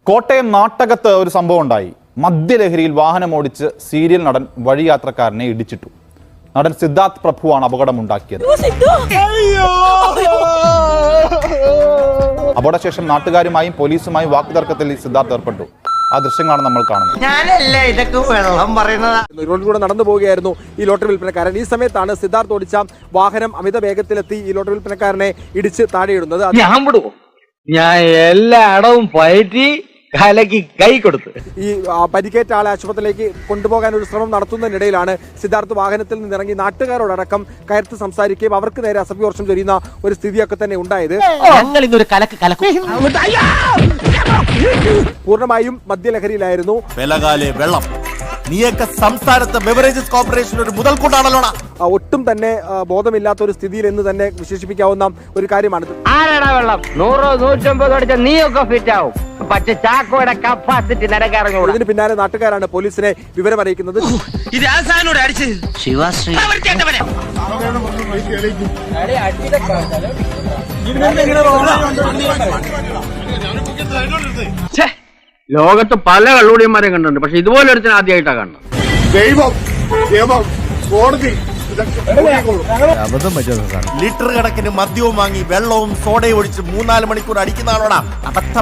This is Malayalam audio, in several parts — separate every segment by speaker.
Speaker 1: കോട്ടയം നാട്ടകത്ത് ഒരു സംഭവം ഉണ്ടായി. മദ്യലഹരിയിൽ വാഹനമോടിച്ച് സീരിയൽ നടൻ വഴിയാത്രക്കാരനെ ഇടിച്ചിട്ടു. നടൻ സിദ്ധാർത്ഥ് പ്രഭുവാണ് അപകടമുണ്ടാക്കിയത്. അപകടശേഷം നാട്ടുകാരുമായും പോലീസുമായും വാക്കുതർക്കത്തിൽ സിദ്ധാർത്ഥ് ഏർപ്പെട്ടു. ആ ദൃശ്യങ്ങളാണ് നമ്മൾ കാണുന്നത്.
Speaker 2: റോഡിലൂടെ നടന്നു പോവുകയായിരുന്നു ഈ ലോട്ടറി വിൽപ്പനക്കാരൻ. ഈ സമയത്താണ് സിദ്ധാർത്ഥ് ഓടിച്ച വാഹനം അമിത വേഗത്തിലെത്തി ഈ ലോട്ടറി വിൽപ്പനക്കാരനെ ഇടിച്ച് താഴെയിടുന്നത്.
Speaker 3: ഞാൻ എല്ലായിടവും പയറ്റി കലക്കി കൈ കൊടുത്തു.
Speaker 2: ഈ പരിക്കേറ്റ ആളെ ആശുപത്രിയിലേക്ക് കൊണ്ടുപോകാൻ ഒരു ശ്രമം നടത്തുന്നതിനിടയിലാണ് സിദ്ധാർത്ഥ് വാഹനത്തിൽ നിന്നിറങ്ങി നാട്ടുകാരോടക്കം കയർത്ത് സംസാരിക്കുകയും അവർക്ക് നേരെ അസഭ്യവർഷം ചൊരിയുന്ന ഒരു സ്ഥിതിയൊക്കെ തന്നെ ഉണ്ടായത്. പൂർണ്ണമായും മദ്യലഹരിയിലായിരുന്നു.
Speaker 4: വെള്ളം നീയൊക്കെ സംസ്ഥാനത്തെ ബെവറേജസ് കോർപ്പറേഷൻ ഒരു മുതൽക്കൂട്ടാണല്ലോടാ.
Speaker 2: ഒട്ടും തന്നെ ബോധമില്ലാത്ത ഒരു സ്ഥിതിയിൽ എന്ന് തന്നെ വിശേഷിപ്പിക്കാവുന്ന ഒരു കാര്യമാണ്.
Speaker 3: ആരാടാ വെള്ളം 100-150 അടിച്ച നീയൊക്കെ ഫിറ്റ് ആവും. പക്ഷെ ചാക്കോയുടെ കപ്പാസിറ്റി നിരക്കറിഞ്ഞു.
Speaker 2: ഇതിന് പിന്നാലെ നാട്ടുകാരാണ് പോലീസിനെ വിവരം അറിയിക്കുന്നത്.
Speaker 3: ലോകത്ത് പല കള്ളുടിയന്മാരെ കണ്ടിട്ടുണ്ട്, പക്ഷെ ഇതുപോലെ ഒരുത്തിന് ആദ്യമായിട്ടാണ് കാണുന്നത്.
Speaker 4: ലിറ്റർ കണക്കിന് മദ്യവും വാങ്ങി വെള്ളവും സോഡയും ഒഴിച്ച് 3-4 മണിക്കൂർ അടിക്കുന്നതാണോടാ അബദ്ധം.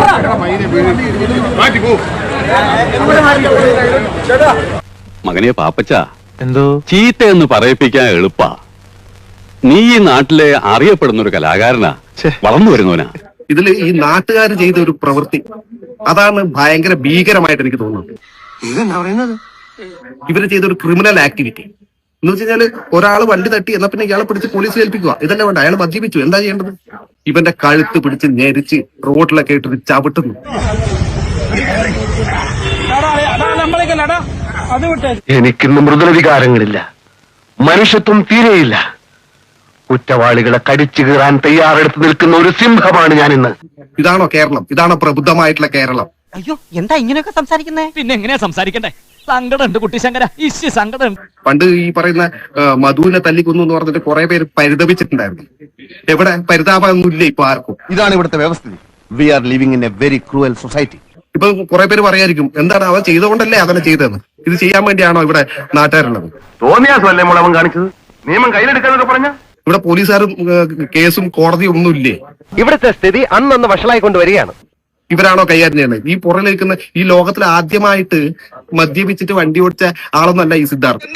Speaker 5: മകനെ പാപ്പച്ച, എന്തോ ചീത്ത എന്ന് പറയിപ്പിക്കാൻ എളുപ്പാ. നീ ഈ നാട്ടിലെ അറിയപ്പെടുന്ന ഒരു കലാകാരനാ, വളർന്നു വരുന്നവനാ.
Speaker 6: ഇതിൽ ഈ നാട്ടുകാർ ചെയ്ത ഒരു പ്രവൃത്തി അതാണ് ഭയങ്കര ഭീകരമായിട്ട് എനിക്ക് തോന്നുന്നത്. ഇതെന്താ പറയുന്നത്? ഇവര് ചെയ്ത ഒരു ക്രിമിനൽ ആക്ടിവിറ്റി എന്ന് വെച്ച് കഴിഞ്ഞാല് ഒരാൾ വണ്ടി തട്ടി എന്നാ പിന്നെ ഇയാളെ പിടിച്ച് പോലീസിൽ ഏൽപ്പിക്കുക. ഇതല്ലേ വേണ്ട. അയാൾ മദ്യപിച്ചു, എന്താ ചെയ്യേണ്ടത്? ഇവന്റെ കഴുത്ത് പിടിച്ച് ഞെരിച്ച് റോഡിലൊക്കെ ഇട്ട് ചവിട്ടുന്നു.
Speaker 7: എനിക്കിന്ന് മൃദുല വികാരങ്ങളില്ല, മനുഷ്യത്വം തീരെയില്ല. കുറ്റവാളികളെ കടിച്ചു കീറാൻ തയ്യാറെടുത്ത് നിൽക്കുന്ന ഒരു സിംഹമാണ് ഞാൻ ഇന്ന്.
Speaker 6: ഇതാണോ കേരളം? ഇതാണോ പ്രബുദ്ധമായിട്ടുള്ള കേരളം?
Speaker 8: അയ്യോ, എന്താ ഇങ്ങനെയൊക്കെ സംസാരിക്കുന്നേ? പിന്നെ എങ്ങനെയാ സംസാരിക്കണ്ടേ? സങ്കടമുണ്ട് കുട്ടി ശങ്കര, ഇശ്യ സങ്കടമുണ്ട്.
Speaker 6: പണ്ട് ഈ പറയുന്ന മധുവിനെ തല്ലിക്കൊന്നു എന്ന് പറഞ്ഞിട്ട് കുറെ പേര് പരിതപിച്ചിട്ടുണ്ടായിരുന്നു. എവിടെ പരിതാപമൊന്നുമില്ല ഇപ്പൊ ആർക്കും.
Speaker 4: ഇതാണ് ഇവിടുത്തെ വ്യവസ്ഥിതി. We are living in a very cruel society.
Speaker 6: ഇപ്പൊ കുറെ പേര് പറയായിരിക്കും, എന്താണ് അവൻ ചെയ്തുകൊണ്ടല്ലേ അവനെ ചെയ്തതെന്ന്. ഇത് ചെയ്യാൻ വേണ്ടിയാണോ ഇവിടെ നാട്ടുകാരുള്ളത്?
Speaker 7: തോന്നിയാസല്ലേ മുളവൻ കാണിച്ചത്? നിയമം കയ്യിലെടുക്കാന്നൊക്കെ പറഞ്ഞ
Speaker 6: ഇവിടെ പോലീസുകാരും കേസും കോടതിയും ഒന്നുമില്ലേ?
Speaker 7: ഇവിടുത്തെ സ്ഥിതി അന്നൊന്ന് വഷളായിക്കൊണ്ട് വരികയാണ്.
Speaker 6: ഇവരാണോ കൈകാര്യം ചെയ്യുന്നത്? ഈ പുറകിലിരിക്കുന്ന ഈ ലോകത്തിൽ ആദ്യമായിട്ട് മദ്യപിച്ചിട്ട് വണ്ടി ഓടിച്ച ആളൊന്നല്ല ഈ സിദ്ധാർത്ഥ്.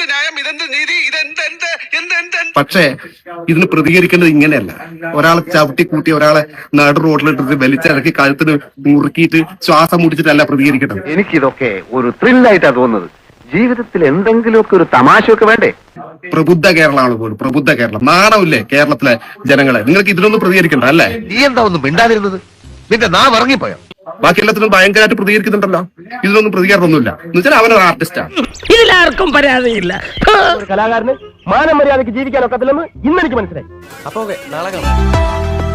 Speaker 6: പക്ഷേ ഇതിന് പ്രതികരിക്കേണ്ടത് ഇങ്ങനെയല്ല. ഒരാളെ ചവിട്ടിക്കൂട്ടി ഒരാളെ നടു റോഡിലിട്ടിട്ട് വലിച്ചിറക്കി കഴുത്തിന് മുറുക്കിയിട്ട് ശ്വാസം മുടിച്ചിട്ടല്ല പ്രതികരിക്കേണ്ടത്.
Speaker 7: എനിക്കിതൊക്കെ ഒരു ത്രില്ലായിട്ടാ തോന്നുന്നത്. ജീവിതത്തിൽ എന്തെങ്കിലുമൊക്കെ ഒരു തമാശയൊക്കെ വേണ്ടേ?
Speaker 6: പ്രബുദ്ധ കേരളമാണ് പോലും. പ്രബുദ്ധ കേരളം. നാണമില്ലേ കേരളത്തിലെ ജനങ്ങളെ? നിങ്ങൾക്ക് ഇതിനൊന്നും പ്രതികരിക്കണ്ട അല്ലേ?
Speaker 7: നീ എന്താ ഒന്നും മിണ്ടാതിരുന്നത്? നിന്റെ നാ ഇറങ്ങിപ്പോയോ?
Speaker 6: ബാക്കി എല്ലാത്തിനും ഭയങ്കരമായിട്ട് പ്രതികരിക്കുന്നുണ്ടല്ലോ. ഇതിനൊന്നും പ്രതികരണമൊന്നുമില്ല. എന്ന് വെച്ചാൽ അവനൊരു ആർട്ടിസ്റ്റാണ്.
Speaker 3: ഇതിലാർക്കും പരാതിയില്ല.
Speaker 7: കലാകാരന് മാനം മര്യാദയ്ക്ക് ജീവിക്കാനൊക്കത്തില്ലെന്ന് ഇന്നെനിക്ക് മനസ്സിലായി.
Speaker 2: അപ്പൊ നാളെ കാണാം.